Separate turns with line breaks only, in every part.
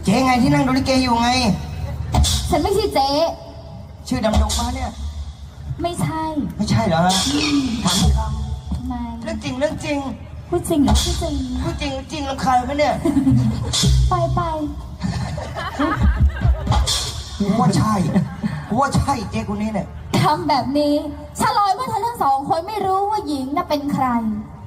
เจ๊ไงที่นั่งดูลิเกอยู่ไง
ฉันไม่ใช่เจ๊
ชื่อดำดงมาเนี่ย
ไม่ใช่
ไม่ใช่เหรอฮะถามค
ทำไม
ำเรื่องจริงเรื่องจริง
พูดจริงหรือพูดจริง
พูดจริงจริงรำคาญไหมเนี่ย
ไป
กูว่าใช่กูว่าใช่เจ๊คนนี้เนี่ย
ทำแบบนี้ฉลอยว่าเธอทั้งสองคนไม่รู้ว่าหญิงน่ะเป็นใคร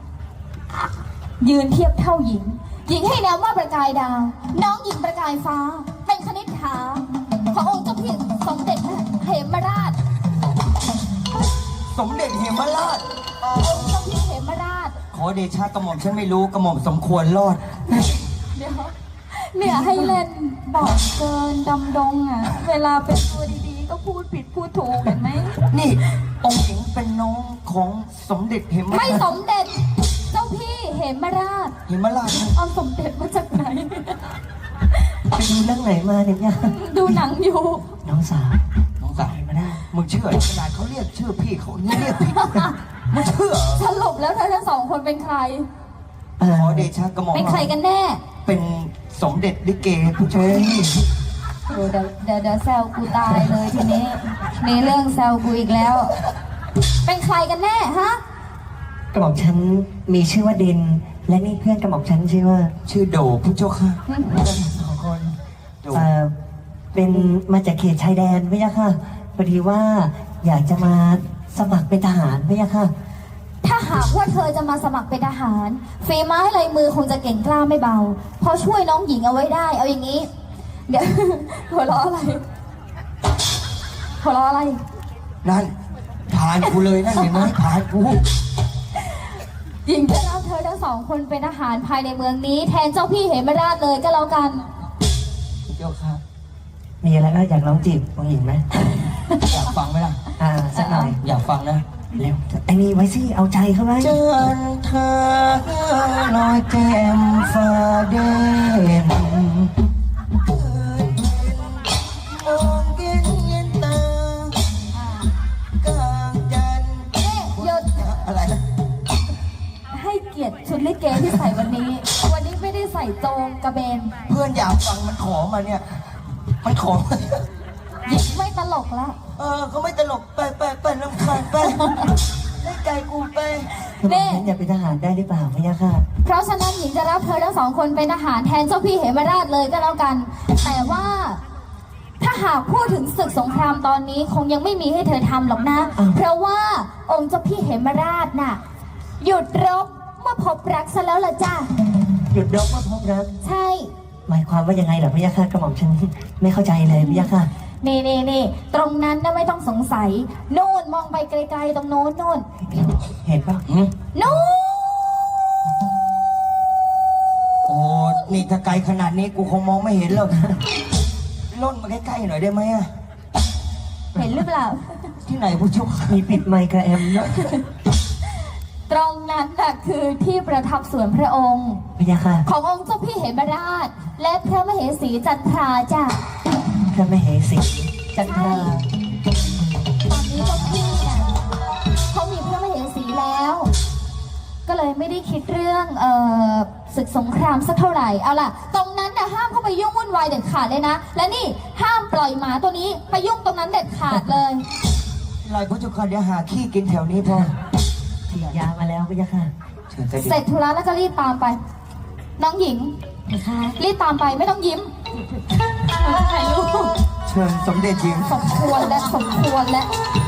ยืนเทียบเท่าหญิง หญิงให้นามว่าประกายดาว น้องหญิงประกายฟ้า เป็นคณิษฐาขององค์เจ้าพี่สมเด็จเหมราช
สมเด็จเหมราช
องค์เจ้าพี่เหมราช
ขอเดชะกระหม่อมฉันไม่รู้กระหม่อมสมควรรอด
เดี๋ยวเนี่ยให้เล่นบอกเกินดำดงอ่ะ เวลาเป็นตัวดีๆ ก็พูดผิดพูดถูกเห็นไหม
นี่องค์หญิงเป็นน้องของสมเด็จเหมรา
ไม่
ช
สมเด็จ เจ้าพี่เหมราช
เหมราชนะ
เอาสมเด็จมาจากไหน
ไปดูเรื่องไหนมาเนี่ยย่า
ดูหนังอยู่
น้องสาว
น้องสาวมาได้มึงเชื่อขนาดเขาเรียกชื่อพี่เขาเรียกผิดมึงเชื่อ
สรุปแล้วเธอทั้งสองคนเป็นใคร
ขอเดชะกระหม่อม
เป็นใครกันแน่
เป็นสมเด็จลิเกผู้ชาย
เดี๋ยวแซวกูตายเลยทีนี้ มีเรื่องแซวกูอีกแล้ว เป็นใครกันแน่ฮะ
กระหม่อมฉันมีชื่อว่าเดนและนี่เพื่อนกระหม่อมฉันชื่อว่า
ชื่อโดผู้เจ้าค่ะสองคนโด
เป็นมาจากเขตชายแดนไม่ยะค่ะพอดีว่าอยากจะมาสมัครเป็นทหารไม่ยะค่ะ
ถ้าหากว่าเธอจะมาสมัครเป็นทหารฝีไม้ลายมือคงจะเก่งกล้าไม่เบา พอช่วยน้องหญิงเอาไว้ได้ เอาอย่างนี้ เดี๋ยว หัวเราะอะไร หัวเราะอะไร
นั่นผ่านกูเลยนั่นเห็นไหมผ่านกู
หญิงจะรับเธอทั้งสองคนเป็นทหารภายในเมืองนี้ แทนเจ้าพี่เหมราชเลยก็แล้วกัน
เจ้าค่ะ
มีอะไรก็อยากลองจีบน้องหญิงไหม
อยากฟังไหมล่ะ
สักหน่อย
อยากฟังนะ
เร็วไอ้นี่ไว้สิเอาใจเขาไว้
เจอเธอลอยแก้มฟ้าเด่นมองเย็นเย็นตากลางจันทร์
หยุด
อะไรนะ
ให้เกียรติชุดลิเกที่ใส่วันนี้ วันนี้ไม่ได้ใส่โจงกระเบน
เพื่อนอยากฟังมันขอมาเนี่ย มันขอมา
หญิงไม่ตลกละ
เขาไม่ตลกไปรำคาญไปเล่นไก่กูไป
กระหม่อมฉันอยากเป็นทหารได้หรือเปล่าไม่ยะค่ะ
เพราะฉะนั้นหญิงจะรับเธอทั้งสองคนเป็นทหารแทนเจ้าพี่เหมราชเลยก็แล้วกัน แต่ว่า ถ้าหากพูดถึงศึกสงครามตอนนี้คงยังไม่มีให้เธอทำหรอกนะ เพราะว่าองค์เจ้าพี่เหมราชน่ะ หยุดรบเมื่อพบรักซะแล้วล่ะจ้า
หยุดรบมาพบรัก
ใช่
หมายความว่ายังไงเหรอพี่ยะค่ะกระหม่อมฉันไม่เข้าใจเลยพี่ยะค่ะ
นี่ตรงนั้นน่ะไม่ต้องสงสัยโน่นมองไปไกลๆตรงโน้นโน่น
เห็นปะ
นู่น
โอ้ นี่ถ้าไกลขนาดนี้กูคงมองไม่เห็นหรอกล่นมาใกล้ๆหน่อยได้ไหมอะ
เห็นหรือเปล่า
ที่ไหนผู้ชม
มีปิดไมค์กับแอมด้วย
ตรงนั้นน่ะคือที่ประทับส่วนพระองค์
พี่ยะค่ะ
ขององค์เจ้าพี่เหมราช และพระมเหสีจันทราจ้ะ
พระมเหสีจันทรา
ตอนนี้เจ้าพี่เนี่ยเขามีพระมเหสีแล้ว ก็เลยไม่ได้คิดเรื่องศึกสงครามสักเท่าไหร่เอาล่ะ ตรงนั้นน่ะห้ามเข้าไปยุ่งวุ่นวายเด็ดขาดเลยนะ และนี่ห้ามปล่อยหมาตัวนี้ไปยุ่งตรงนั้นเด็ดขาดเลย
ลายผู้ชมเดี๋ยวหาขี้กินแถวนี้พอ
ฉีดยามาแล้วพี่ยะค่ะ
เชิญเสด็จ
เสร็จธุระแล้วก็รีบตามไป น้องหญิง
นะคะ
รีบตามไปไม่ต้องยิ้มถ่ายรูป
เชิญสมเด็จหญิง
สมควรและสมควรและ
เ